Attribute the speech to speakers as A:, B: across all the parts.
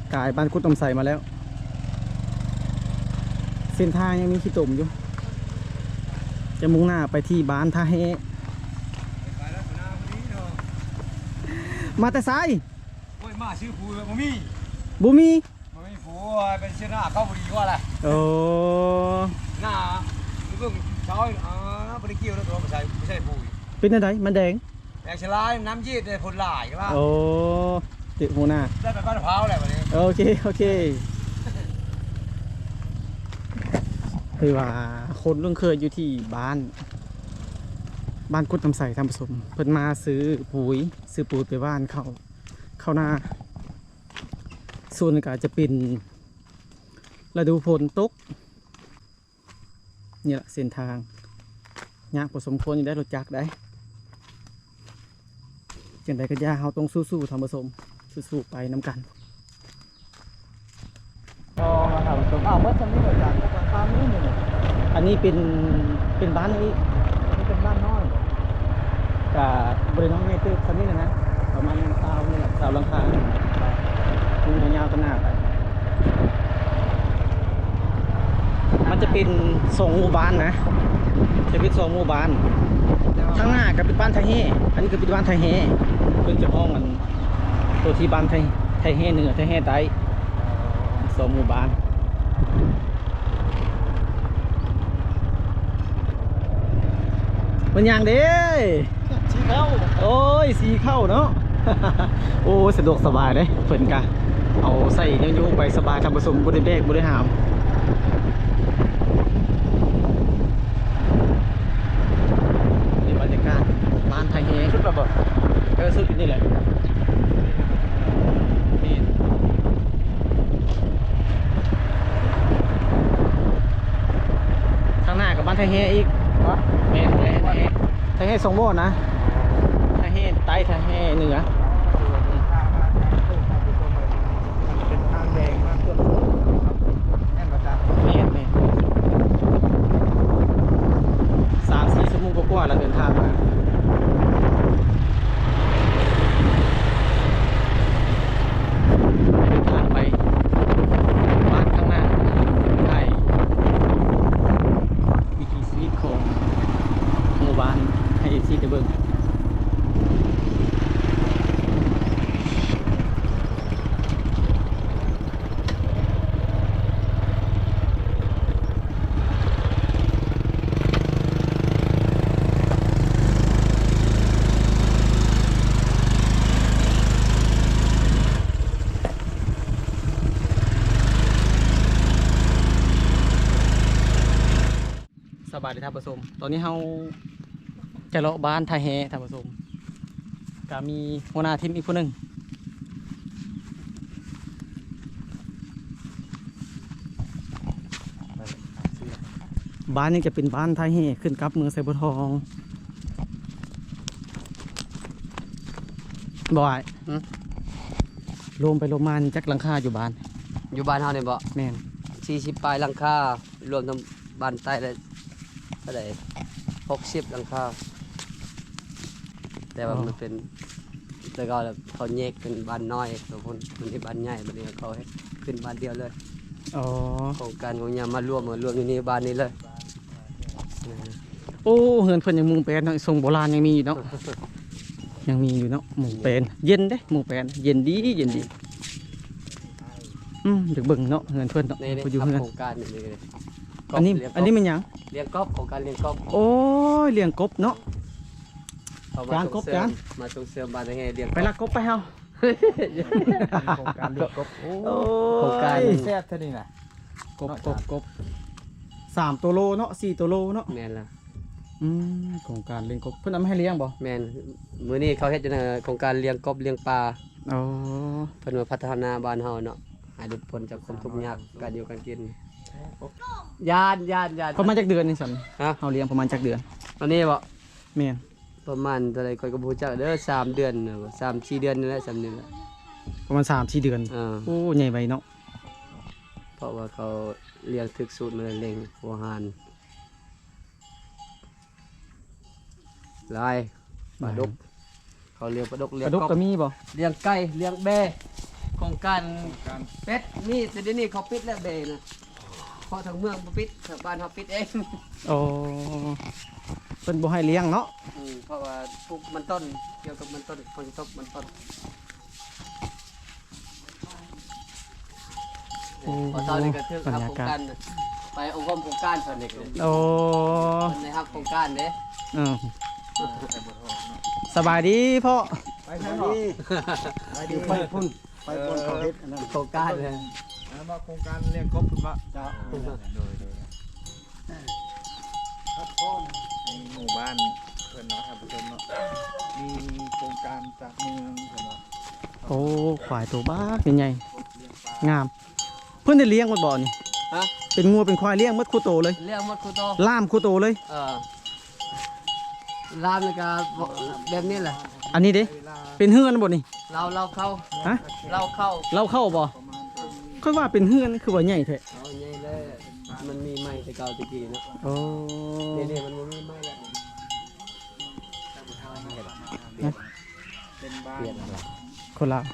A: กายบ้านกุดตมใส่มาแล้วเส้นทางยังมีขี้ตุ่มอยู่จะมุ่งหน้าไปที่บ้านท่าเฮมาแต่ไซ
B: โอ้ยมาซื้อปูบ่มี
A: บุมี
B: บ่มีปูเป็นเสื้อหน้าเข้าบ่ดีกว่าล่ะ
A: โอ้
B: หน้าเพิ่งเช้าบ่ได้เกี่ยวแล้วตัวไม่ใช่ปู
A: เป็นอะไรมันแดง
B: แอกชลายน้ำยืดได้ผลหลายก็ว่า
A: โอ้ติดหัวหน้า
B: ได้ไปบ้านมะพร้าวแหละวันนี้
A: โอเคโอเคคือว่าคนลุงเคยอยู่ที่บ้านกุดน้ำใสทำผสมเพิ่นมาซื้อปุ๋ยไปบ้านเข้าหน้าส่วนก็จะเป็นฤดูฝนตกนี่แหละเส้นทางยากผสมควรอยู่ได้รถจักรได้จังใดก็ย่าเฮาต้องสู้ๆทำผสมสู้ๆไปน้ำกันก็มาทำผสมเมื่อสักนิดหน่อยจากกลางทางนี้เนี่ยอันนี้เป็นบ้านนี้เป็นบ้านน้อยกับบริเวณน้องใหญ่ตึกสักนิดนะประมาณ20นี่แหละ20หลังคาดูยาวๆกันหน้าไปมันจะเป็น2หมู่บ้านนะจะเป็น2หมู่บ้านข้างหน้าก็เป็นบ้านไทยเฮอันนี้ก็เป็นบ้านไทยเฮเพิ่งจะห้องมันตัวที่บ้านไทยเฮเหนือไทยเฮใต้2หมู่บ้านมันอย่างเด้สีเข้าโอ้ยสีเข้าเนาะ โอ้สะดวกสบายเลยเพิ่นกะเอาใส่ยังอยู่ไปสบายทำผสมบริเวณบริหารนี่บรรยากาศบ้านไทยเฮชุดระเบิดสุดนี่แหละข้างหน้ากับบ้านไทยเฮอีกเมนไทยเฮทรงโม่นะไทยเฮใต้ไทยเฮเหนือ
B: เป็นทางแดงมากเกินแน่นประจำ
A: เมน3-4 ชั่วโมงกว่าเราเดินทางมาเดินทางไปบ้านข้างหน้าไทยวิถีชีวิตของหมู่บ้านให้ซีเดเบิงสบายดีท่านผู้ชมตอนนี้เราจะเลาะบ้านไทยแฮท่านผู้ชมก็มีหัวหน้าทีมอีกคนหนึ่งบ้านนี้จะเป็นบ้านไทยแฮขึ้นกับเมืองไซบัวทองบ่อยลมไปลมมาจักหลังคาอยู่บ้าน
C: อยู่บ้านเฮานี่บ่
A: แม่น
C: 40ปลายหลังคารวมทั้งบ้านใต้และเท่าใด60หลังคาแต่ว่ามันเป็นแต่ก็เขาแยกเป็นบ้านน้อยตัวคนมันที่บ้านใหญ่บัดนี้เขาให้ขึ้นบ้านเดียวเลย
A: อ๋อ
C: โครงการของยามารวมอยู่นี่บ้านนี้เลย
A: โอ้เฮือนเพิ่นยังมุงแปลนเนาะทรงโบราณยังมีอยู่เนาะ ยังมีอยู่เนาะมุงแปลนเย็นเด้มุงแปลนเย็นดีเด็กเบิ่งเนาะเฮือนเพิ่นเนาะ
C: นี่
A: อยู่
C: ทำ
A: เฮือน
C: โครงการนี่เลย
A: อันนี้มันหยัง
C: เลี้ยงกบโครงการเลี้ยงกบ
A: โอ้ยเลี้ยงกบเนาะ
C: เอ
A: จานกบจาน
C: มาส่งเสริมบ้านให้เลี้ยง
A: ไปลักกบไปเฮา
B: โครงการเลี้ยงกบ
A: โอ้
C: โครงการ
A: ย
B: แซ่บเท่านี้น่ะ
A: กบ3ตัวโลเนาะ4ตัวโลเนาะ
C: แม่นล่ะ
A: โครงการเลี้ยงกบเพิ่นเอามาให้เลี้ยงบ่
C: แม่นมื้อนี้เขาเฮ็ดจังโครงการเลี้ยงกบเลี้ยงปลา
A: อ๋อ
C: เพิ่นว่าพัฒนาบ้านเฮาเนาะให้หลุดพ้นจากความทุกข์ยากการอยู่การกินยาน
A: ประมาณจักเดือนนี่ซั่น
C: ฮะ
A: เฮาเลี้ยงประมาณจักเดือน
C: ตอนนี้บ่
A: แม่น
C: ประมาณเท่าไหร่ข้อยก็บ่รู้จักเด้อ3 เดือนน่ะบ่3-4 เดือนนี่แหละ3 เดือนแหละ
A: ประมาณ3-4 เดือน โอ้ใหญ่ไวเนาะ
C: เพราะว่าเขาเลี้ยงถึกสูตรมาเลี้ยงหัวหารลายปลาดุกเขาเลี้ยงปลาดุก
A: ก
C: เลี้ยง
A: ระดก
C: กบ
A: ก็มีบ่
C: เลี้ยงไก่เลี้ยงแบะกรงการเป็ดนี่แต่เดี๋ยวนี้เขาปิดแล้วเบนะเพราะทางเมืองบ่ปิดทางบ้านเขาปิดเอง
A: โอ้เพิ่นบ่ให้เลี้ยงเนาะ
C: เพราะว่าปลูกมันต้นเกี่ยวกับมันต้นผลกระทบมันต้นพอตอนนี้ก็ถึงครับโครงการน่ะไปองค์กรโครงการเพิ่นนี่ก็
A: โอ้
C: เพิ่นได้รับโครงการเด้
A: อืมสบายดีพ่อ
B: ไปใช่หรอไปดีไปพุ่นไปพุ่นเขาเฮ็ดอันนั้น
C: โครงการเลย
B: มาโครงการเลี้ยงกบคุณวะจ้าโดยครับพ่อในหมู่บ้านเพื่อนเนาะครับผู้ชมเนาะมีโครงการจากเมืองเพื่อนเนาะ
A: โอ้ควายตัวบ้าเป็นไงงาม เพิ่นได้เลี้ยงหมดบ่นี่
C: ฮะ
A: เป็นงัวเป็นควายเลี้ยงหมดคู่โตเลย
C: เรื่องหมดครูโต
A: ล่ามคู่โตเลย
C: รามนี่ก็แบบนี้แหละ
A: อันนี้เด้เป็นเฮือนบ่นี่
C: เราเข้า
A: ฮะ
C: เราเข้า
A: เราเข้าบ่ค่อยว่าเป็นเฮือนคือว่าใหญ่แท้
C: เอาใหญ่เลยมันมีไม้แต่เก่าตะกี้เนาะ
A: โอ้
C: นี่มันบ่มีไม้แล้ว
B: เป็นบ้าน
C: เปลี่ยนอะไร
A: คนลาว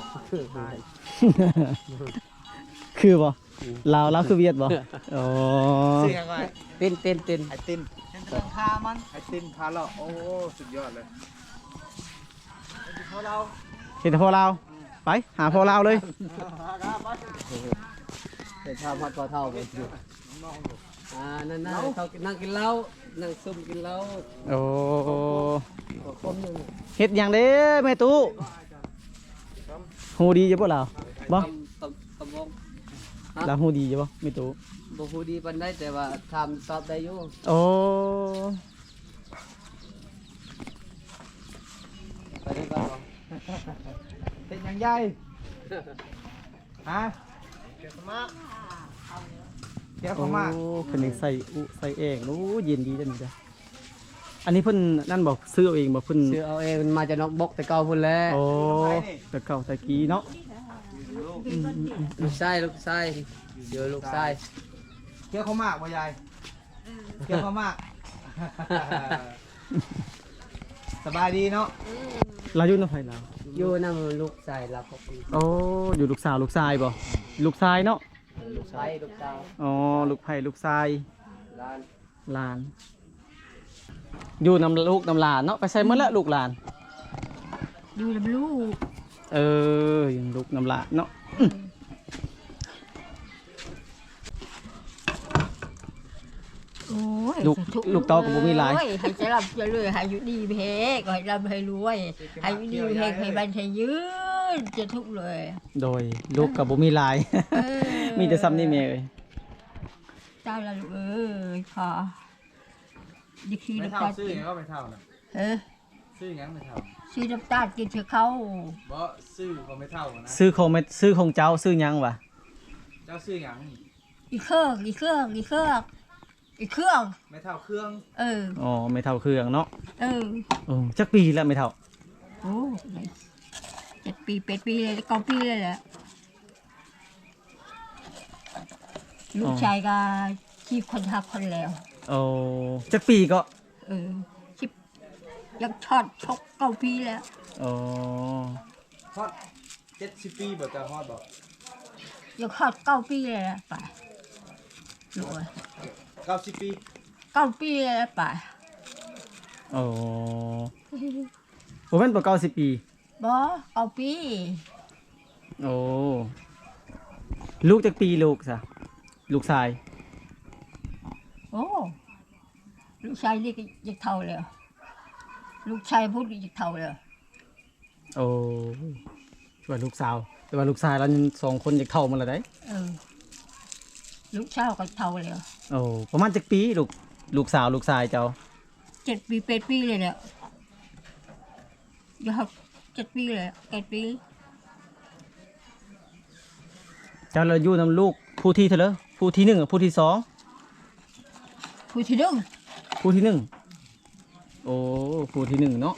A: คือบ่ลาวคือเวียดบ่โอ้
B: ชื่อยังไง
C: เต้น
B: ไอตินพามันไอตินพาเราโอ้สุดยอดเลยเขาเรา
A: เห็นแต่พ่อลาวไปหาพ่อลาวเลย
C: เป็นชาวพัดปอเท่าไปอยู่นั่นเขานั่งกินเหล้านั่งซุ่มกินเหล้า
A: โอ้
C: คนหนึ่ง
A: เฮ็ดหยังเด้แม่ตู้ฮู้ดีอยู่บ่ลาวบ่
C: ตำวง
A: ลาวฮู้ดีอยู่บ่แม่ตู้
C: บ่ฮู้ดีปานใดแต่ว่าทำตอบได้อยู่
A: โอ้
C: ไปได้บ้างบ่
B: เป็นยังไงฮะเกี่ยวกับมากเกี่ยวกับมาก
A: โอ้เพิ่นยังใส่อุใส่เองโอ้เย็นดีจังนี่จ้ะอันนี้เพิ่นนั่นบ่ซื้อเอาเองบ่เพิ่น
C: ซื้อเอาเองมันมาจากนอกบกแต่เก่าพุ่นแหละ
A: โอ้แต่เก่าแต่กี้เนาะ
C: ลูกชายเดี๋ยวลูกชาย
B: เกี่ยวกับมากบ่ยายเกี่ยวกับมาก สบายดีเนาะ
A: เราอยู่นำไผลาว
C: อยู่นำลูกชายเราก็
A: โอ้อยู่ลูกสาวลูกชายบ่ลูกชายเนาะ
C: ลูกชายลูกสาว
A: อ๋อลูกไผ่ลูกชาย
C: หลาน
A: หลาน อยู่นำลูกนำหลานเนาะไปใส่เมื่อละลูกหลาน
D: อยู่ลำลูก
A: เออยังลูกนำหลานเนาะ
D: โอ้ย
A: ลูกเต้ากับบุมีหลาย
D: โอ้ให้จะรับจะเลยให้อยู่ดีเพกให้รับให้รวยให้อยู่ดีเพกให้บันให้ยืนจะทุกข์เลย
A: โดยลูกกับบุมีหลาย
D: เออ
A: มีแต่ซ้ำนี่แม่เอ้ย
D: ตายละลูกเอ้ยพอดิคี
B: ไม่
D: น้ำ
B: เท่า
D: ตาล
B: ซื้อยังก็ไม่เท่านะ
D: เออ
B: ซื้อยังไม่เท่า
D: ซื้อน้ำตาลกินเถอะเขา
B: บ่ซื้อก็ไม่เท่านะ
A: ซื้อของซื้อของเจ้าซื้อหยังวะ
B: เจ้าซื้อยัง
D: อีเครื่องอีเครื่องอีเครื่องอีเครื่อง
B: ไม่เท่าเครื่อง
D: เออ
A: อ๋อไม่เท่าเครื่องเนาะ
D: เออ
A: โอ้จักปีแล้วไม่เท่า
D: โอ้7 ปี8 ปีเลย9 ปีเลยแหละลูกชายก็ที่คนหักคนแล้ว
A: โอ้จักปีก็
D: เออชิบยังช็อตชก9 ปีแล้ว
A: โอ้
B: ฮอด70 ปีบ่จะฮอดบ่
D: ยังช็อต9 ปีเลยนะไปลูกเอ้ย
B: 90 ปี
D: 9 ปีเลยนะไป
A: โอ้ผมเป็นปเก้า10 ปี
D: บ่9 ปี
A: โอ้ลูกจักปีลูกซะลูกชาย
D: โอ้ลูกชายนี่ก็ยังเท่าเลยลูกชายพูดยังเท่าเลย
A: โอ้ว่าลูกสาวแต่ว่าลูกชายเราสองคนจะเท่ามันละได้
D: เออลูกชายก็เท่าเลย
A: โอ้ประมาณจักปีลูกสาวลูกชายเจ้า
D: 7 ปี8 ปีเลยเนี่ยยัง7 ปีเลย8 ปี
A: เจ้าเราอยู่นำลูกผู้ที่เท่าไหร่ผู้ที่หนึ่งกับผู้ที่สอง
D: ผู้ที่หนึ่ง
A: ผู้ที่หนึ่งโอ้ผู้ที่หนึ่งเนาะ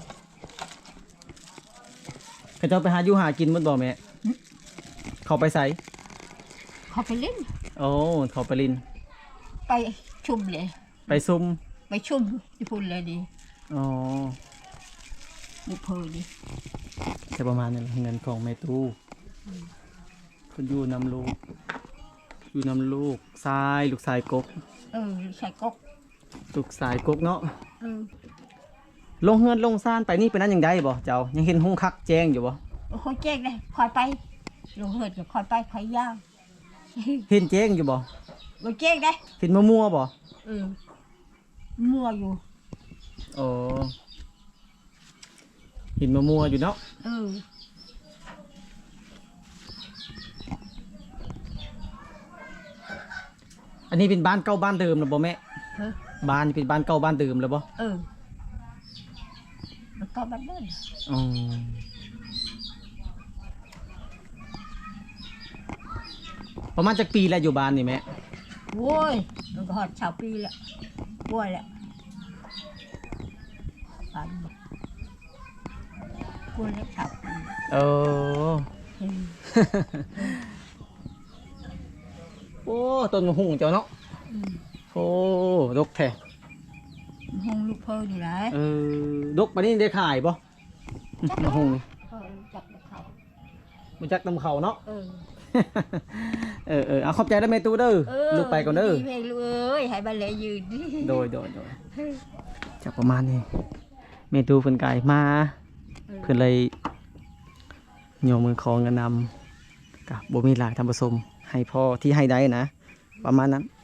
A: เขาเจ้าไปหาอยู่หากินมันบ่แม่เขาไปใส่
D: เขาไปเล่น
A: โอ้เขาไปลิน
D: ไปชุมเลย
A: ไปซุ่ม
D: ไปชุมญี่ปุ่นเลยดิ
A: อ๋อ
D: บุเพอดิ
A: แต่ประมาณนั้นแหละเงินของแม่ตู้คนอยู่นำลูกอยู่นำลูกทรายลูกทรายกก
D: ลูกชายกก
A: ลูกทรายกกเนาะ
D: เออ
A: ลงเฮือนลงซ่านไปนี่เป็นนั้นยังได้บ่เจ้ายังเห็นหุ้งคักแจ้งอยู่บ่
D: คอยแจ้งเลยคอยไปลงเหิดก็คอยไปคอยย่าง
A: เห็นแจ้งอยู่บ่
D: ลงแจ้งได้
A: เห็นมัวๆบ่
D: มั่วอยู่
A: โอ้เห็นมัวๆอยู่เนาะ อันนี้เป็นบ้านเก่าบ้านเดิมหรือบ่แม่
D: เออ
A: บ้านนี่เป็นบ้านเก่าบ้านเดิมหรือบ่
D: แล้วก็บัดเดิน
A: อ๋อประมาณจักปีแล้วอยู่บ้านนี่แม่
D: โว้ยมันก็หอดชาวปีแล้วบ้วยแล้วปันบ้วยแล้วชาวปี
A: เออ
D: เฮ้ย
A: โอ้ต้นมะฮุ่งเจ้าเนาะโอ้ดกแท้
D: ห้องลูกเพิ่นนี่แหละ
A: ดกปานนี้ได้ขายบ่มะฮุ่งนี่
D: จับเขา
A: มันจักนำเขาเนาะ
D: เออ
A: เอาขอบใจแล้วแม่ตู้เด้อลูกไปก่อนเด้อ
D: เพลงลูกเอ้ยให้บันเลยยืนดิ
A: โดยจากประมาณนี้แม่ตู้เพิ่นกายมาเพิ่นเลยโยมมือของกันนำกับบ่มีหลายทำผสมให้พอที่ให้ได้นะ ประมาณนั้น